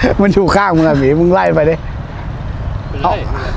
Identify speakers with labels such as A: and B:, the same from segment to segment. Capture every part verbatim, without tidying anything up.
A: มันอยู่ข้างมึงอะหมีมึงไล่ไปดิเอา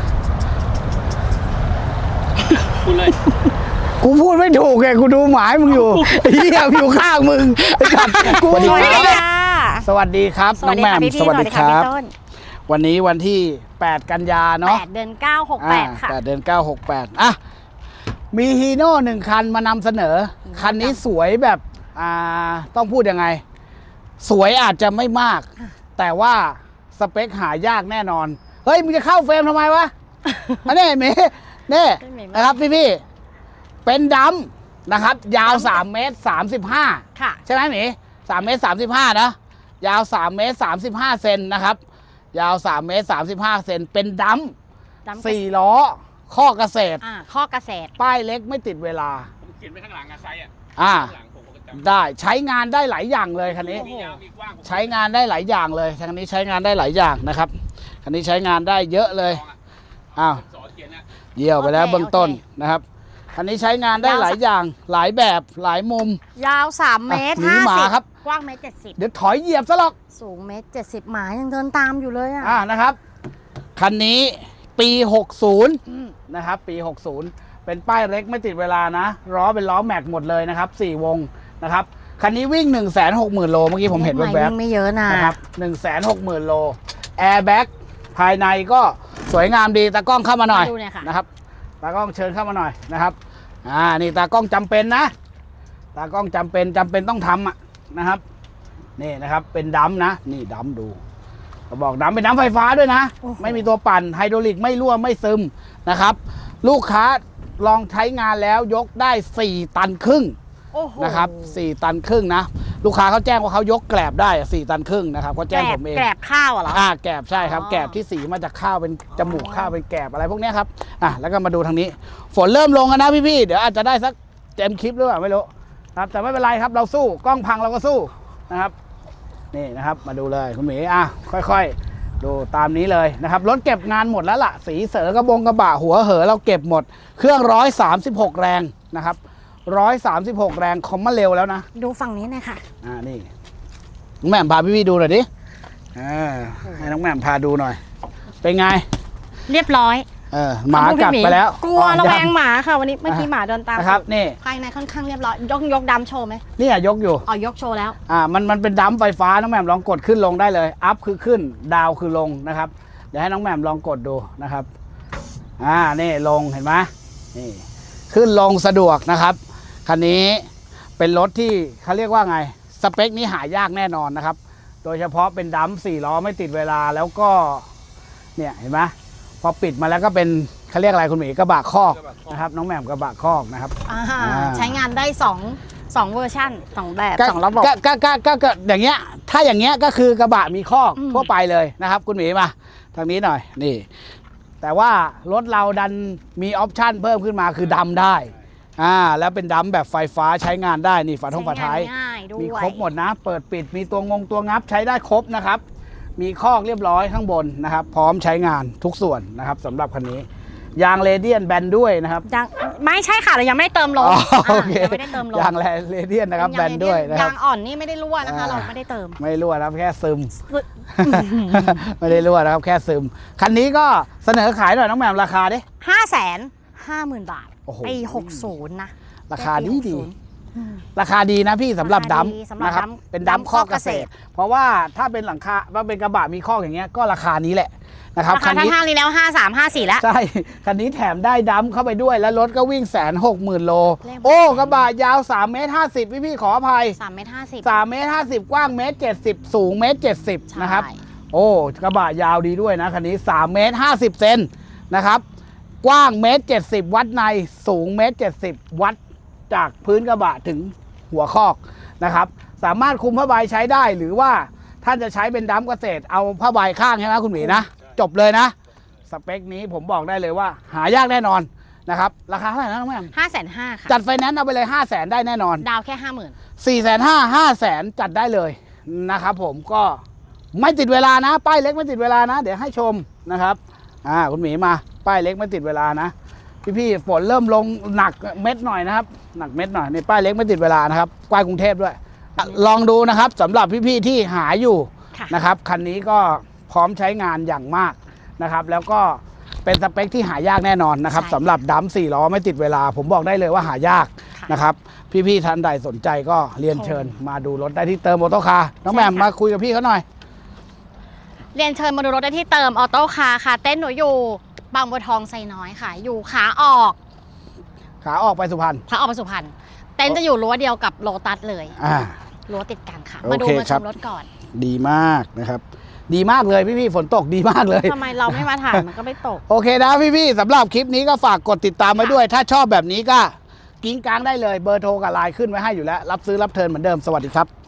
B: พูดเลย
A: กูพูดไม่ถูกไงกูดูหมายมึงอยู่เฮียอยู่ข้างมึงไอ้สัตว์กูสวัสดีครับสวัสดีครับน้องแหม่มสวัสดีครับวันนี้วันที่แปดกันยาเนาะ
C: แปดเดือนเก้าหกแปดค่ะ
A: แปดเดือนเก้าหกแปดอ่ะมีฮีโน่หนึ่งคันมานำเสนอคันนี้สวยแบบอ่าต้องพูดยังไงสวยอาจจะไม่มากแต่ว่าสเปคหายากแน่นอนเฮ้ยมึงจะเข้าเฟรมทำไมวะอันนี้เมย์นี่นะครับพี่พี่เป็นดำนะครับยาวสามเมตรสามสิบห้า
C: ค่ะ
A: ใช่ไหมเมย์สามเมตรสามสิบห้านะยาวสามเมตรสามสิบห้าเซนนะครับยาวสามเมตรสามสิบห้าเซนเป็นดำสี่ล้อข้อเกษตร
C: อ่าข้อเกษตร
A: ป้ายเล็กไม่ติดเวลา
B: ผมเขียนไปข้างหลังอะไซส์อ่ะ
A: อ่าได้ใช้งานได้หลายอย่างเลยคันนี้ใช้งานได้หลายอย่างเลยคันนี้ใช้งานได้หลายอย่างนะครับคันนี้ใช้งานได้เยอะเลยอ้าวเยี่ยวไปแล้วเบื้องต้นนะครับคันนี้ใช้งานได้หลายอย่างหลายแบบหลายมุม
C: ยาวสามเมตรห้าสิบ
A: ครับ
C: กว้างเมตรเจ็ดสิบ
A: เดี๋ยวถอยเหยียบซะหรอก
C: สูงเมตรเจ็ดสิบหมายังเดินตามอยู่เลยอ่ะ
A: อ่านะครับคันนี้ปีหกสิบนะครับปีหกสิบเป็นป้ายเล็กไม่ติดเวลานะล้อเป็นล้อแม็กหมดเลยนะครับสี่วงนะครับคันนี้วิ่ง หนึ่งแสนหกหมื่น โลเมื่อกี้ผมเห็นแวบ
C: ๆไม่เยอะนะ
A: นะครับ หนึ่งแสนหกหมื่น โลแอร์แบ็กภายในก็สวยงามดีตากล้องเข้ามาหน่อยนะครับตากล้องเชิญเข้ามาหน่อยนะครับอ่านี่ตากล้องจำเป็นนะตากล้องจำเป็นจำเป็นต้องทำอ่ะนะครับนี่นะครับเป็นดัมนะนี่ดัมดูเขาบอกดัมเป็นดัมไฟฟ้าด้วยนะไม่มีตัวปั่นไฮดรอลิกไม่รั่วไม่ซึมนะครับลูกค้าลองใช้งานแล้วยกได้สี่ตันครึ่งนะครับสี่ตันครึ่งนะลูกค้าเขาแจ้งว่าเขายกแกลบได้สี่ตันครึ่งนะครับเขาแจ้งผมเอง
C: แกลบข้าวเหรอ
A: อ่าแกลบใช่ครับแกลบที่สีมาจากข้าวเป็นจมูกข้าวเป็นแกลบอะไรพวกนี้ครับอ่ะแล้วก็มาดูทางนี้ฝนเริ่มลงแล้วนะพี่ๆเดี๋ยวอาจจะได้สักเต็มคลิปหรือเปล่าไม่รู้ครับแต่ไม่เป็นไรครับเราสู้กล้องพังเราก็สู้นะครับนี่นะครับมาดูเลยคุณหมีอ่ะค่อยๆดูตามนี้เลยนะครับรถเก็บงานหมดแล้วล่ะสีเสือกระบงกระบะหัวเหอเราเก็บหมดเครื่องร้อยสามสิบหกแรงนะครับร้อยสามสิบหกแรงคอมมาเร็วแล้วนะ
C: ดูฝั่งนี้หน่อยค่ะ
A: อ่านี่น้องแหม่มพาพี่ๆดูหน่อยดิอ่าให้น้องแหม่มพาดูหน่อยเป็นไง
C: เรียบร้อย
A: เออหมากัดไปแล้ว
C: กลัวระแวงหมาค่ะวันนี้เมื่อกี้หมาเดินตาม
A: นะครับนี่
C: ภายในค่อนข้างเรียบร้อยยกยกดำโชว์ไหม
A: นี่ยกอยู่
C: อ๋อยกโชว์แล้ว
A: อ่ามันมันเป็นดัมไฟฟ้าน้องแหม่มลองกดขึ้นลงได้เลยอัพคือขึ้นดาวคือลงนะครับเดี๋ยวให้น้องแหม่มลองกดดูนะครับอ่านี่ลงเห็นไหมนี่ขึ้นลงสะดวกนะครับคันนี้เป็นรถที่เขาเรียกว่าไงสเปคนี้หายากแน่นอนนะครับโดยเฉพาะเป็นดัมสี่ล้อไม่ติดเวลาแล้วก็เนี่ยเห็นไหมพอปิดมาแล้วก็เป็นเขาเรียกอะไรคุณหมีกระบะคอกนะครับน้องแหม่มกระบะคอกนะครับ
C: ใช้งานได้สองสองเวอร์ชันสองแบบสองระบบ
A: ก็ก็ก็ก็อย่างเงี้ยถ้าอย่างเงี้ยก็คือกระบะมีคอกทั่วไปเลยนะครับคุณหมีมาทางนี้หน่อยนี่แต่ว่ารถเราดันมีออปชั่นเพิ่มขึ้นมาคือดำได้อ่าแล้วเป็นดัมแบบไฟฟ้าใช้งานได้นี่ฝาท้องฝาท้ายมีครบหมดนะเปิดปิดมีตัวงงตัวงับใช้ได้ครบนะครับมีคอกเรียบร้อยข้างบนนะครับพร้อมใช้งานทุกส่วนนะครับสำหรับคันนี้ยางเรเดียนแบนด้วยนะครับ
C: ยางไม่ใช่ค่ะเรายังไม่ได้เติมลมไม่ได้เติมลม
A: ยางเรเดียนนะครับแบนด้วยนะครับ
C: ยางอ่อนนี่ไม่ได้รั่วนะคะเราไม่ได้เติม
A: ไม่รั่วนะครับแค่ซึมไม่ได้รั่วนะครับแค่ซึมคันนี้ก็เสนอขายหน่อยน้องแหม่มราคาดิ
C: ห้าแสนห้าหมื่นบาทปีหกสิบนะ
A: ราคาดีดีราคาดีนะพี่สำหรับดัมนะครับเป็นดัมข้อเกษตรเพราะว่าถ้าเป็นหลังคาว่าเป็นกระบะมีข้ออย่างเงี้ยก็ราคานี้แหละนะครับ
C: คันนี้ห้างนี้แล้วห้าสามห้าสี่แล้ว
A: ใช่คันนี้แถมได้ดัมเข้าไปด้วยแล้วรถก็วิ่งแสนหกหมื่นโลโอ้กระบะยาวสามเมตรห้าสิบพี่พี่ขออภัย
C: สามเมตรห้าสิบ
A: สามเมตรห้าสิบกว้างเมตรเจ็ดสิบสูงเมตรเจ็ดสิบนะครับโอ้กระบะยาวดีด้วยนะคันนี้สามเมตรห้าสิบเซนนะครับกว้างเมตรเจ็ดสิบวัดในสูงเมตรเจ็ดสิบวัดจากพื้นกระบะถึงหัวคอกนะครับสามารถคุมผ้าใบใช้ได้หรือว่าท่านจะใช้เป็นดัมเกษตรเอาผ้าใบข้างใช่ไหมคุณหมีนะจบเลยนะสเปคนี้ผมบอกได้เลยว่าหายากแน่นอนนะครับราคาเท่าไหร่นะน้องแม่
C: ห้าแสนห้าค่ะ
A: จัดไฟแนนซ์เอาไปเลยห้าแสนได้แน่นอน
C: ดาวแค่ห้าหมื่น
A: สี่แสนห้าห้าแสนจัดได้เลยนะครับผมก็ไม่ติดเวลานะป้ายเล็กไม่ติดเวลานะเดี๋ยวให้ชมนะครับอ่าคุณหมีมาป้ายเล็กไม่ติดเวลานะพี่ๆฝนเริ่มลงหนักเม็ดหน่อยนะครับหนักเม็ดหน่อยในป้ายเล็กไม่ติดเวลานะครับใกล้กรุงเทพด้วยลองดูนะครับสำหรับพี่ๆที่หาอยู่
C: ค่ะ
A: นะครับคันนี้ก็พร้อมใช้งานอย่างมากนะครับแล้วก็เป็นสเปคที่หายากแน่นอนนะครับ
C: ใช่
A: สำหรับดัมสี่ล้อไม่ติดเวลา ผมบอกได้เลยว่าหายาก
C: ค่ะ
A: นะครับพี่ๆท่านใดสนใจก็เรียนเชิญมาดูรถได้ที่เติมออโต้คาร์น้องแหม่ม
C: ใช่ค่ะ
A: มาคุยกับพี่เขาหน่อย
C: เรียนเชิญมาดูรถได้ที่เติมออโต้คาร์ค่ะ เต้นหนูอยู่บางบัวทองไซน้อยค่ะ อยู่ขาออก
A: ขาออกไปสุพรรณ
C: ขาออกไปสุพรรณเต้นจะอยู่รั้วเดียวกับโลตัสเลย
A: อ่า
C: รั้วติดกันค่ะ
A: โอเค
C: มาดูมาช
A: ครับ
C: มรถก่อน
A: ดีมากนะครับ ดีมากเลยพี่ๆฝนตกดีมากเลย
C: ทำไมเราไม่มาถ่ายมันก็ไม่ตก
A: โอเคนะพี่ๆสำหรับคลิปนี้ก็ฝากกดติดตามไว้ด้วย ถ้าชอบแบบนี้ก็กิ้งกลางได้เลยเบอร์โทรกับไลน์ขึ้นไว้ให้อยู่แล้ว รับซื้อรับเทิร์นเหมือนเดิมสวัสดีครับ